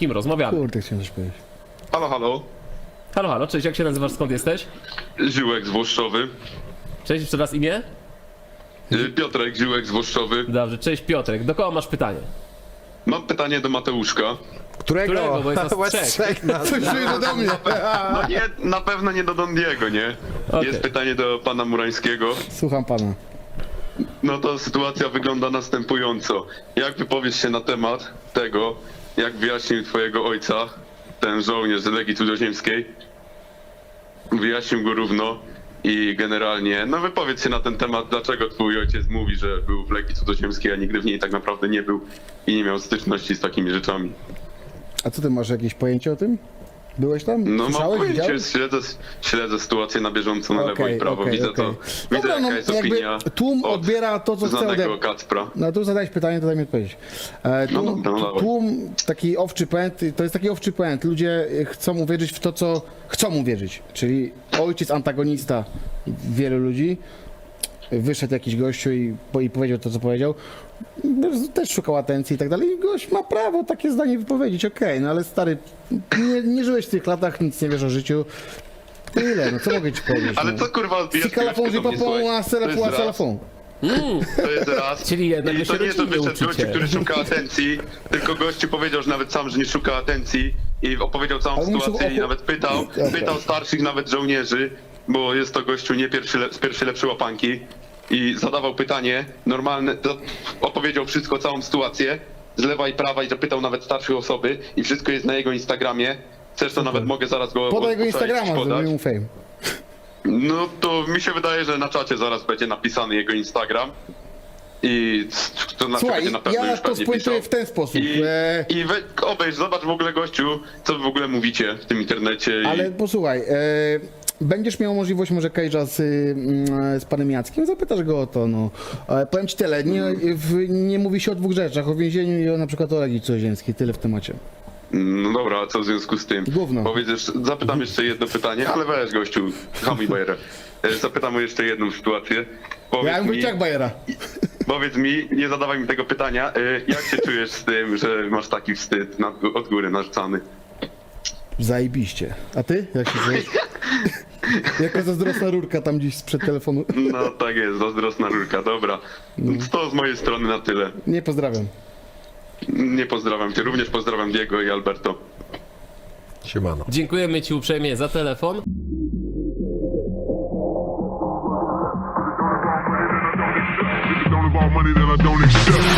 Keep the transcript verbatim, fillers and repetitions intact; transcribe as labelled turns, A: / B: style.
A: kim rozmawiamy.
B: Kurde, chciałem coś powiedzieć.
C: Halo, halo.
A: Halo, halo, cześć, jak się nazywasz, skąd jesteś?
C: Ziółek z Włoszczowy.
A: Cześć, jeszcze raz imię?
C: Y, Piotrek, Ziółek z Włoszczowy.
A: Dobrze, cześć Piotrek, do kogo masz pytanie?
C: Mam pytanie do Mateuszka.
B: Którego?
A: Którego, bo jest nas
D: Was
A: trzech.
D: trzech nas.
B: Coś czuję, że do mnie.
C: No nie, na pewno nie do Dondiego, nie?
A: Okej.
C: Jest pytanie do pana Murańskiego.
B: Słucham pana.
C: No to sytuacja wygląda następująco. Jak wypowiesz się na temat tego, jak wyjaśnił twojego ojca, ten żołnierz z Legii Cudzoziemskiej? Wyjaśnił go równo i generalnie, no wypowiedz się na ten temat, dlaczego twój ojciec mówi, że był w Legii Cudzoziemskiej, a nigdy w niej tak naprawdę nie był i nie miał styczności z takimi rzeczami.
B: A co ty masz jakieś pojęcie o tym? Byłeś tam?
C: No mam
B: Słyszałeś?
C: pojęcie,
B: Widziałeś?
C: śledzę, śledzę sytuację na bieżąco na lewo
B: Okej,
C: i prawo,
B: okej,
C: widzę
B: okej.
C: to,
B: Dobra,
C: widzę
B: no,
C: jaka jest
B: jakby
C: opinia
B: tłum
C: od
B: odbiera to, co chce
C: znanego
B: ode...
C: Kacpra.
B: No tu zadałeś pytanie, to daj mi odpowiedzieć. E,
C: No
B: tłum,
C: dobra, no dawaj.
B: tłum, taki owczy pęd, to jest taki owczy pęd. Ludzie chcą uwierzyć w to, co chcą uwierzyć. Czyli ojciec antagonista wielu ludzi. Wyszedł jakiś gościu i, po- i powiedział to, co powiedział. Też szukał atencji i tak dalej. I gość ma prawo takie zdanie wypowiedzieć, okej, no ale stary, nie, nie żyłeś w tych latach, nic nie wiesz o życiu. Tyle, no co mogę ci powiedzieć?
C: Ale
B: no.
C: co kurwa odbijasz
B: Sikalafon,
C: piłeczkę do mnie, słuchaj?
B: żipapon, a
C: To
B: selafon,
C: jest
B: a
C: raz.
B: selafon.
C: To jest raz.
A: Czyli jednak
C: I
A: wy
C: to
A: się
C: nie, że
A: rodzinnie
C: wyszedł gościu,
A: uczycie.
C: który szuka atencji, tylko gościu powiedział, że nawet sam, że nie szuka atencji i opowiedział całą
B: Ale muszę
C: sytuację i
B: opo-
C: nawet pytał,
B: Dobra.
C: pytał starszych nawet żołnierzy, bo jest to gościu nie pierwszy, le- z pierwszej lepszej łapanki i zadawał pytanie normalne, to opowiedział wszystko, całą sytuację z lewa i prawa i zapytał nawet starszych osoby i wszystko jest na jego Instagramie. Chcesz, to nawet mogę zaraz go
B: Podaj jego
C: odszukać,
B: Instagrama,
C: podać.
B: zrobimy mu fame.
C: No to mi się wydaje, że na czacie zaraz będzie napisany jego Instagram. I to na
B: Słuchaj,
C: będzie na pewno
B: ja
C: już
B: to
C: pewnie
B: spuentuję
C: pisał.
B: w ten sposób.
C: I,
B: E,
C: i we, obejrz, zobacz w ogóle gościu, co wy w ogóle mówicie w tym internecie. I...
B: ale posłuchaj, e, będziesz miał możliwość może Cage'a z, mm, z panem Jackiem, zapytasz go o to, no. E, powiem ci tyle, nie, w, nie mówi się o dwóch rzeczach, o więzieniu i o na przykład o Legii Cudzoziemskiej, tyle w temacie.
C: No dobra, a co w związku z tym?
B: Gówno.
C: Powiedz jeszcze, zapytam jeszcze jedno pytanie, ale weź gościu, hamuj bajerę. E, Zapytam o jeszcze jedną sytuację. Powiedz
B: Ja bym
C: mi,
B: powiedział jak Bajera.
C: powiedz mi, nie zadawaj mi tego pytania, e, jak się czujesz z tym, że masz taki wstyd nad, od góry narzucany?
B: Zajebiście. A ty? Jak się czujesz? Jaka zazdrosna rurka tam gdzieś sprzed telefonu.
C: No tak jest, zazdrosna rurka, dobra. To z mojej strony na tyle.
B: Nie pozdrawiam.
C: Nie pozdrawiam cię, również pozdrawiam Diego i Alberto.
D: Siemano.
A: Dziękujemy ci uprzejmie za telefon.
E: Don't involve money that I don't accept.